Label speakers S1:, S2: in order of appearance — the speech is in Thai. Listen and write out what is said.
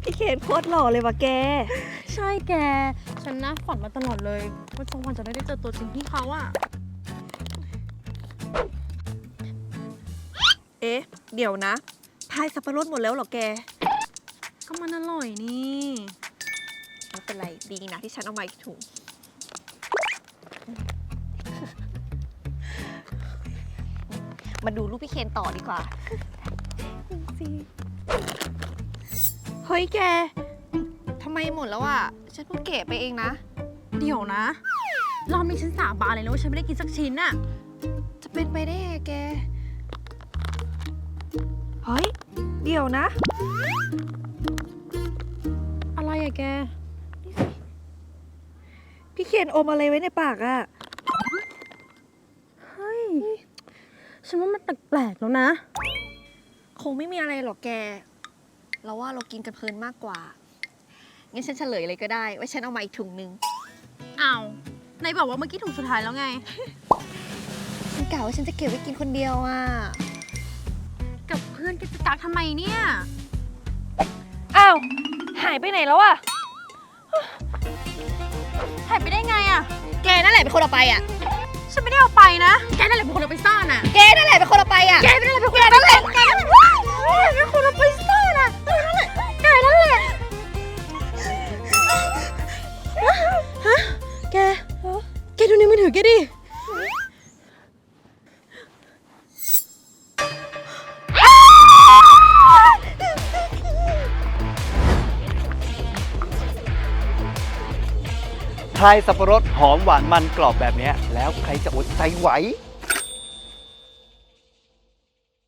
S1: พี่เคนโคตรหล่อเลยว่ะแก
S2: ใช่แกฉันนะฝันมาตลอดเลยว่าสักวันจะได้เจอตัวจริงพี่เขาอะ
S1: เอ๊ะเดี๋ยวนะพายสับปะรดหมดแล้วเหรอแก
S2: ก็มันอร่อยนี่
S1: ไม่เป็นไรดีนะที่ฉันเอามาอีกถุงมาดูรูปพี่เคนต่อดีกว่าเฮ้ยแกทำไมหมดแล้วอ่ะฉันเพิ่งเก็บไปเองนะ
S2: เดี๋ยวนะรอบนี้ฉันสาบานเลยนะว่าฉันไม่ได้กินสักชิ้นอะ
S1: จะเป็นไปได้ไงแกเฮ้ยเดี๋ยวนะ
S2: อะไรอะแก
S1: พี่เคนอมอะไรไว้ในปากอะ
S2: เฮ้ยฉันว่ามันแปลกๆแล้วนะ
S1: คงไม่มีอะไรหรอกแกเราว่าเรากินกันเพลินมากกว่างั้นฉันเฉลยเลยก็ได้ว่าฉันเอามาอีกถุงนึง
S2: อ้าวไหนบอกว่าเมื่อกี้ถุงสุดท้ายแล้วไง
S1: ฉันกะว่าฉันจะเก็บไว้กินคนเดียวอ่ะ
S2: กับเพื่อนกันจะกักทำไมเนี่ย
S1: อ้าวหายไปไหนแล้วอ่ะ
S2: หายไปได้ไงอะ
S1: แกนั่นแหละเป็นคนเอาไปอ่ะ
S2: ฉันไม่ได้เอาไปนะแกนั่นแหละเป็นคนเอาไปซ่อนอะ
S1: แกนั่นแหละเป็นคนเอาไปอ่ะ
S2: แกนั่นแหละเป็นคนเอาไปซ่อนแกนั่นแหละเป็นคนเอาไปซ่อนอะแกนั่นแหละแกนั่นแหละฮะแกดูในมือถือแกดิ
S3: ทายสับปะรดหอมหวานมันกรอบแบบนี้แล้วใครจะอดใจไหว